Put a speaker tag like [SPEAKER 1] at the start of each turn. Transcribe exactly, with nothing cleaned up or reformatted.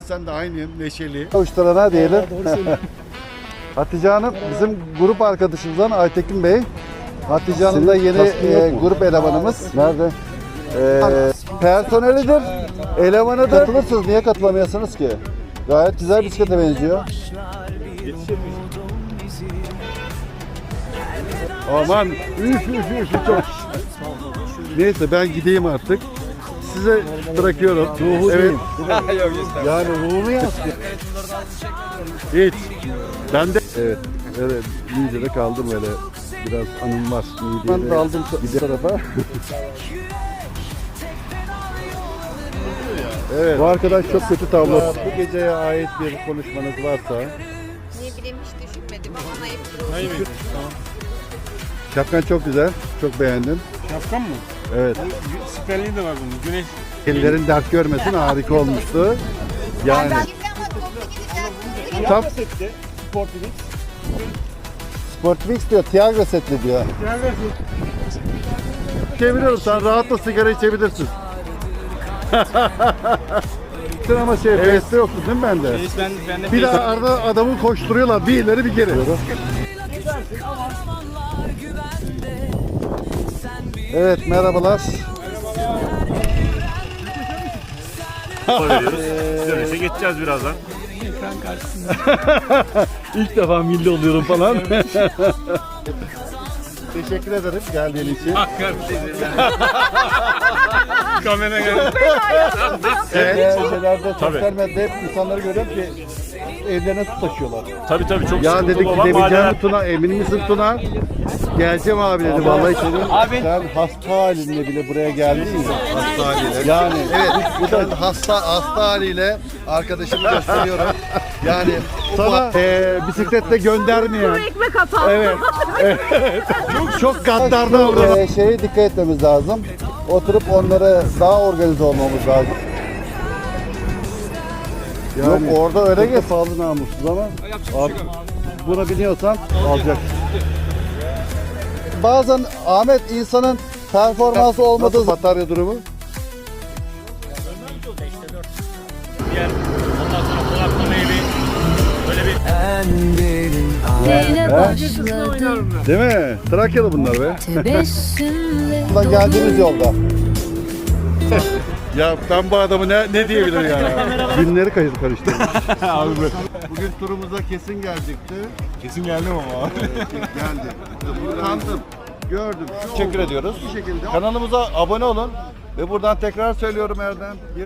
[SPEAKER 1] Sen de aynı neşeli.
[SPEAKER 2] Uçlarına diyelim. Hatice Hanım bizim grup arkadaşımızdan Aytekin Bey. Hatice Hanım da yeni e, grup elemanımız. Nerede? E, personelidir, elemanıdır. Katılırsınız, niye katılamıyorsunuz ki? Gayet güzel bisiklete benziyor.
[SPEAKER 1] Aman üf üf üf çok. Neyse ben gideyim artık. Size bırakıyorum. Ruhu evet.
[SPEAKER 2] Yani ruhunu yansıtıyor.
[SPEAKER 1] Hiç. Ben de evet. Evet. Niğde'de kaldım öyle. Biraz anım var. Niğde'de.
[SPEAKER 2] Ben de aldım bir tarafa.
[SPEAKER 1] Evet.
[SPEAKER 2] Bu arkadaş çok kötü tablo.
[SPEAKER 1] Bu geceye ait bir konuşmanız varsa.
[SPEAKER 3] Ne bileyim hiç düşünmedim ama ayıp olur.
[SPEAKER 1] Şapkan çok güzel. Çok beğendim.
[SPEAKER 4] Şapkan mı?
[SPEAKER 1] Evet.
[SPEAKER 4] Siperliği de var bunun. Güneş.
[SPEAKER 1] Ellerin dert görmesin, harika olmuştu. Yani
[SPEAKER 2] Tam Sportfix diyor, Tiago setli diyor.
[SPEAKER 1] çeviriyorum, sen rahatla sigara içebilirsin. Sen ama şey, Face'te yoktu değil mi bende?
[SPEAKER 4] Reis ben, ben de
[SPEAKER 1] Bir daha arada adamı koşturuyorlar, bir ileri bir geri.
[SPEAKER 2] Evet, merhabalar.
[SPEAKER 4] Dönüşe geçeceğiz birazdan.
[SPEAKER 1] İlk defa milli oluyorum falan. Teşekkür ederim geldiğin için.
[SPEAKER 4] Kamera geldi.
[SPEAKER 2] Evet. Şeylerde, sosyal medyada hep insanları görüyorum ki evlerine su taşıyorlar.
[SPEAKER 4] Tabii tabii çok
[SPEAKER 1] Ya
[SPEAKER 4] sıkıntı
[SPEAKER 1] dedik
[SPEAKER 4] olan
[SPEAKER 1] gidebileceğim
[SPEAKER 4] mahalleler.
[SPEAKER 1] mi Tuna? Emin misin Tuna? Geleceğim abi dedi vallahi içeri.
[SPEAKER 2] Abi. Sen hasta halinle bile buraya geldin mi?
[SPEAKER 1] Hasta haliyle.
[SPEAKER 2] Yani
[SPEAKER 1] Evet, bu da hasta hasta haliyle arkadaşımı gösteriyorum. Yani sana e, bisikletle göndermeyen.
[SPEAKER 3] ekmek atar.
[SPEAKER 1] Evet. evet. Çok çok gaddar davranıyor.
[SPEAKER 2] e, şeye dikkat etmemiz lazım. Oturup onlara daha organize olmamız lazım.
[SPEAKER 1] Yani,
[SPEAKER 2] Yok orada öyle geç.
[SPEAKER 1] pahalı namussuz ama abi, buna biniyorsan alacak.
[SPEAKER 2] Bazen Ahmet insanın performansı olmadığı
[SPEAKER 1] Nasıl batarya durumu?
[SPEAKER 4] Yer. Ondan sonra konaklama evi. Böyle bir
[SPEAKER 5] Yine başladı
[SPEAKER 1] Değil mi? Trakyalı bunlar be.
[SPEAKER 5] tebessümle
[SPEAKER 2] zaman geldiğimiz yolda.
[SPEAKER 1] Ya ben bu adamı ne, ne diyebilirim yani? Günleri karış- karıştırmış.
[SPEAKER 4] abi
[SPEAKER 1] Bugün turumuza kesin gelecekti.
[SPEAKER 4] kesin geldim ama.
[SPEAKER 1] Geldi. Utandım. Gördüm. Şu
[SPEAKER 2] Teşekkür
[SPEAKER 1] oldu.
[SPEAKER 2] ediyoruz.
[SPEAKER 1] Bu şekilde.
[SPEAKER 2] Kanalımıza abone olun ve buradan tekrar söylüyorum Erdem.